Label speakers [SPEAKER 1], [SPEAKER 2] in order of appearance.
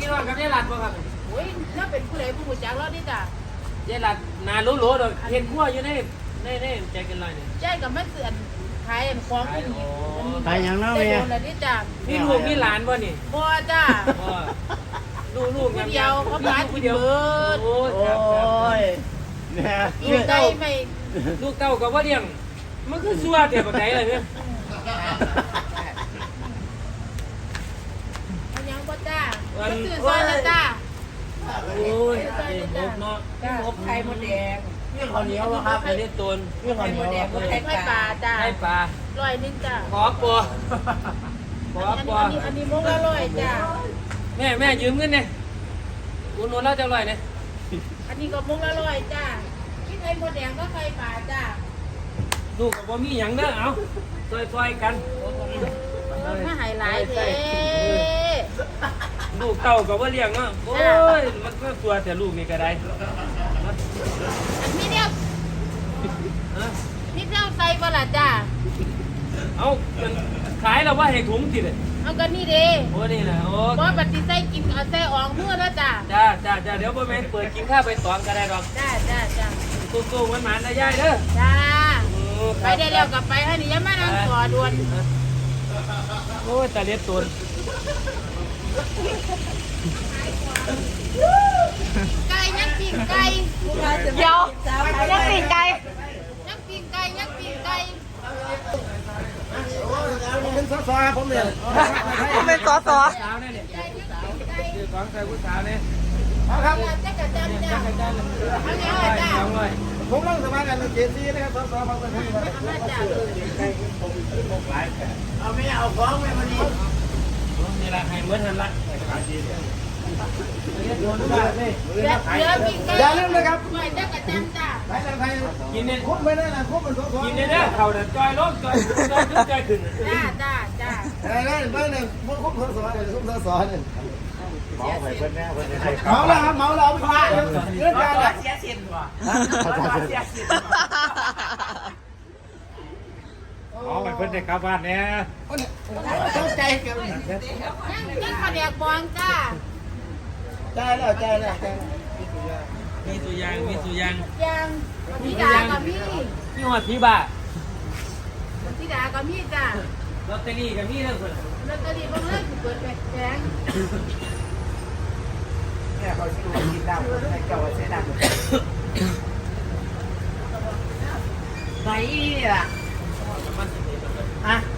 [SPEAKER 1] น้องกับยายหลัดบ่ครับ
[SPEAKER 2] โอ้ยน่าเป็นผู้ใดผู้หูจักแล้วนี่จ้ะ
[SPEAKER 1] ยายหลัดนารู้ๆดอกเห็นขั้วอยู่ในใจกันลอยนี่
[SPEAKER 2] ใจกับแม่เสือนขายอันของที่นี่
[SPEAKER 3] ขายอย่างนั้น
[SPEAKER 2] ได้
[SPEAKER 3] แม่
[SPEAKER 2] โดนแล้วนี่จ้ะ
[SPEAKER 1] มีลูกมีหลานบ่นี่
[SPEAKER 2] บ่จ้ะ
[SPEAKER 1] บ่ลูก
[SPEAKER 2] ผู้เดียวเขาขาย
[SPEAKER 1] ผู้
[SPEAKER 2] ผู้
[SPEAKER 1] เดี
[SPEAKER 2] เดี
[SPEAKER 1] ย
[SPEAKER 2] ยว ว
[SPEAKER 1] โอ้
[SPEAKER 3] โอ้ยเนี่ย
[SPEAKER 2] ลูกใจไม่
[SPEAKER 1] ลูกเต้าก็บ่เลี้ยงมันคือซัวเดี๋ยวบักไหนล่ะเนี่ย
[SPEAKER 2] อันยังบ่จ้ะก็ซื้อซอยละจ้ะ
[SPEAKER 1] โอ้ยงบเนาะ
[SPEAKER 4] งบไข่มดแดง
[SPEAKER 3] นี่ข้าวเหนียววะครับ
[SPEAKER 1] ไข่เล็ดตน
[SPEAKER 3] นี่ข้าวเหนียววะ
[SPEAKER 2] ไข่ปลาจ้ะ
[SPEAKER 1] ไข่ปลา
[SPEAKER 2] 100นึงจ้ะ
[SPEAKER 1] ขอปัวขอปัว
[SPEAKER 2] อันนี้มุกละ100จ้ะ
[SPEAKER 1] แม่ยืมเงินเนี่ยอุดหนุนเราจะอร่อยเนี่ย
[SPEAKER 2] อันนี้ก็มุกละ100จ้ะกินไข่มดแดงก็ไข่ปลาจ้ะ
[SPEAKER 1] ลูกกับบ่มีหยังเด้อเอาซอยๆกัน
[SPEAKER 2] ถ้าหายหลายเท่
[SPEAKER 1] ลูกเต้ากับว่าเลี้ยงเนาะโอ้ยมันก็ตัวแต่ลูกนี่ก็ได้
[SPEAKER 2] อันนี้เนี่ยนี่เจ้าใส่บ่ล่ะจ้ะ
[SPEAKER 1] เอาขายแล้วว่าให้ถุงติเลย
[SPEAKER 2] เอากันนี่เด้
[SPEAKER 1] โอ้นี่นะโอ้
[SPEAKER 2] บ่บัดสิใส่กินเอาใส่ออกมือแล้วจ้ะ
[SPEAKER 1] จ้าเดี๋ยวพ่อแม่เปิดกินข้าวไปตองก็ได้ดอก
[SPEAKER 2] จ้า
[SPEAKER 1] ตู้มันหมานนะยายเด้อ
[SPEAKER 2] จ้าไปได้แล้วกลับไปให้นี่อย่ามานั่งต่อด่วน
[SPEAKER 1] โอ้ยตาเล็ดตุน
[SPEAKER 2] ไก่ยังปิ้งไก่
[SPEAKER 4] เดี๋ยวยังปีกไก่
[SPEAKER 2] ยังปิ้งไก่ยังปิ้งไก่
[SPEAKER 3] ผมเป็นซอผมเนี่ย
[SPEAKER 4] ผมเป็นสอ
[SPEAKER 1] สาวเนี่ยคือของใส่ผู้สาวเนี่ย
[SPEAKER 3] ครับ
[SPEAKER 2] จักรจันทร์จ้าเอาแล้วจ้า
[SPEAKER 1] สองร้อย
[SPEAKER 3] ผมนั่งสมากันเจซีนะครับซอฟังกันให้
[SPEAKER 2] มาจ้า
[SPEAKER 3] เอาไม่เอาของไม่มาดี
[SPEAKER 1] นี่ละให้เหมือนหันละ
[SPEAKER 2] เหลือปิ้งไก่
[SPEAKER 3] อย่าลืมนะครับ
[SPEAKER 2] ไม่จักรจันทร์จ้า
[SPEAKER 3] ไปทางไทย
[SPEAKER 1] กินเนี่ย
[SPEAKER 3] คุ้มไม่ได้นะคุ้มเป็นซอ
[SPEAKER 1] กินเนี่ยเด้อเขาเนี่ยจอยลงจอยขึ้น
[SPEAKER 2] จ้า
[SPEAKER 3] ได้ได้เนี่ยคุ้มซอเนี่ยคุ้มซอเนี่ย
[SPEAKER 5] เมาไปเพื่อนแน่เพื่อนให้
[SPEAKER 3] เมาแล้วครับเมาแล้วเอาไปขายเรื่องการ
[SPEAKER 4] เสียสินว่ะ
[SPEAKER 5] เมาไปเพื่อนได้กลับบ้านเนี่ย
[SPEAKER 3] ต้องใจกัน
[SPEAKER 2] ยังข้าวแดกบองจ้า
[SPEAKER 3] ใจแล้วใจแล้วใจ
[SPEAKER 1] มีตัวอย่าง
[SPEAKER 2] ยังพี่ดากับพี่
[SPEAKER 1] มีหัวผีบ้า
[SPEAKER 2] พี่ดากับพี่จ้า
[SPEAKER 1] ลอตเตอรี่กับมีเรื่องคน
[SPEAKER 2] ลอตเตอรี่บางเรื่องเปิดแผง
[SPEAKER 4] เนี่ยเขาชิวกินดำให้เจ้าเสียดำไหนล่ะฮะ